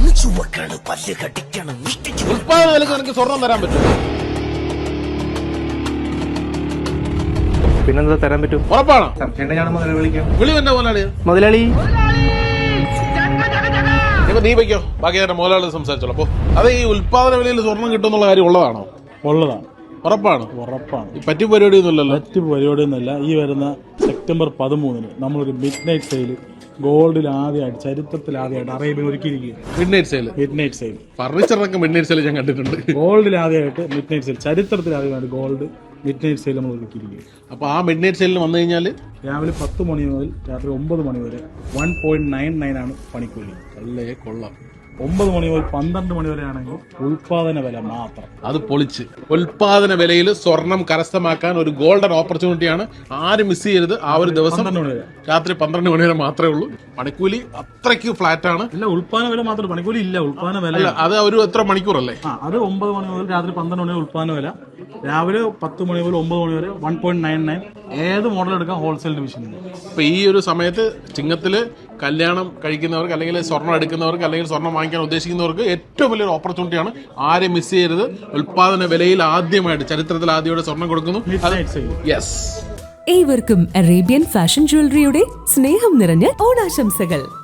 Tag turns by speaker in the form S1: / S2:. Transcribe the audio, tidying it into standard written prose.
S1: ഉൽപ്പാദന വിലക്ക് എനിക്ക് സ്വർണം തരാൻ പറ്റും.
S2: പിന്നെന്താ തരാൻ പറ്റും?
S1: ഉറപ്പാണോ? വിളി എന്റെ
S2: മുതലാളി.
S1: ഇപ്പൊ നീ വയ്ക്കോ, ബാക്കി ഞാൻ മുതലാളി സംസാരിച്ചോളൂ. അപ്പൊ അത് ഈ ഉൽപ്പാദന വിലയിൽ സ്വർണം കിട്ടുന്നുള്ള കാര്യം ഉള്ളതാണോ?
S3: ഉള്ളതാണ്.
S1: ഉറപ്പാണ്?
S3: ഉറപ്പാണ്.
S1: പറ്റി പരിപാടിയൊന്നുമില്ലല്ലോ.
S3: മറ്റ് പരിപാടിയൊന്നുമില്ല. ഈ വരുന്ന സെപ്റ്റംബർ 13 നമ്മളൊരു മിഡ് നൈറ്റ് സെയിൽ ഗോൾഡിൽ ആദ്യമായിട്ട്, ചരിത്രത്തിൽ ആദ്യമായിട്ട് അറേബ്യൻ ഒരുക്കിയിരിക്കുക.
S1: Midnight sale.
S3: Midnight sale
S1: ഫർണിച്ചറിനൊക്കെ മിഡ് നൈറ്റ് സെയിൽ ഞാൻ കണ്ടിട്ടുണ്ട്.
S3: ഗോൾഡിൽ ആദ്യമായിട്ട് മിഡ് നൈറ്റ് സെയിൽ, ചരിത്രത്തിൽ ആദ്യമായിട്ട് ഗോൾഡ് മിഡ് നൈറ്റ് സെയിൽ നമ്മൾ ഒരുക്കിയിരിക്കുക.
S1: അപ്പൊ ആ മിഡ് നൈറ്റ് സെയിലിന് വന്നു കഴിഞ്ഞാൽ
S3: രാവിലെ 10 മണി മുതൽ രാത്രി 9 മണി വരെ 1.99 ആണ് പണിക്കൂലി.
S1: അല്ലേ, കൊള്ളാം.
S3: 9 മണി മുതൽ 12 മണി വരെ ആണെങ്കിൽ ഉൽപാദന വില മാത്രം.
S1: അത് പൊളിച്ച്. ഉൽപാദന വിലയിൽ സ്വർണം കരസ്ഥമാക്കാൻ ഒരു ഗോൾഡൻ ഓപ്പർച്യൂണിറ്റിയാണ്. ആരും മിസ് ചെയ്യരുത്. ആ ഒരു ദിവസം രാത്രി 12 മണി വരെ മാത്രമേ ഉള്ളൂ. പണിക്കൂലി അത്രയ്ക്ക് ഫ്ലാറ്റ് ആണ്.
S3: ഇല്ല, ഉൽപാദന വില മാത്രം, പണിക്കൂലി ഇല്ല. ഉൽപാദന വില
S1: അത് ഒരു എത്ര മണിക്കൂറല്ലേ?
S3: അത് 9 മണി മുതൽ രാത്രി 12 മണി വരെ ഉൽപാദന വില. രാവിലെ 10 മണി മുതൽ 9 മണി വരെ 1.99. ഏത് മോഡൽ എടുക്കാം, ഹോൾസെയിൽ ഡിവിഷൻ.
S1: ഇപ്പൊ ഈ ഒരു സമയത്ത് ചിങ്ങത്തില് കല്യാണം കഴിക്കുന്നവർക്ക്, അല്ലെങ്കിൽ സ്വർണ്ണം എടുക്കുന്നവർക്ക്, അല്ലെങ്കിൽ സ്വർണ്ണം വാങ്ങിക്കാൻ ഉദ്ദേശിക്കുന്നവർക്ക് ഏറ്റവും വലിയൊരു ഓപ്പർച്യൂണിറ്റിയാണ്. ആരും മിസ് ചെയ്യരുത്. ഉൽപാദന വിലയിൽ ആദ്യമായിട്ട്, ചരിത്രത്തിൽ ആദ്യമായിട്ട് സ്വർണ്ണം കൊടുക്കുന്നു. യെസ്.
S4: ഏവർക്കും അറേബ്യൻ ഫാഷൻ ജ്വല്ലറിയുടെ സ്നേഹം നിറഞ്ഞ ഓണാശംസകൾ.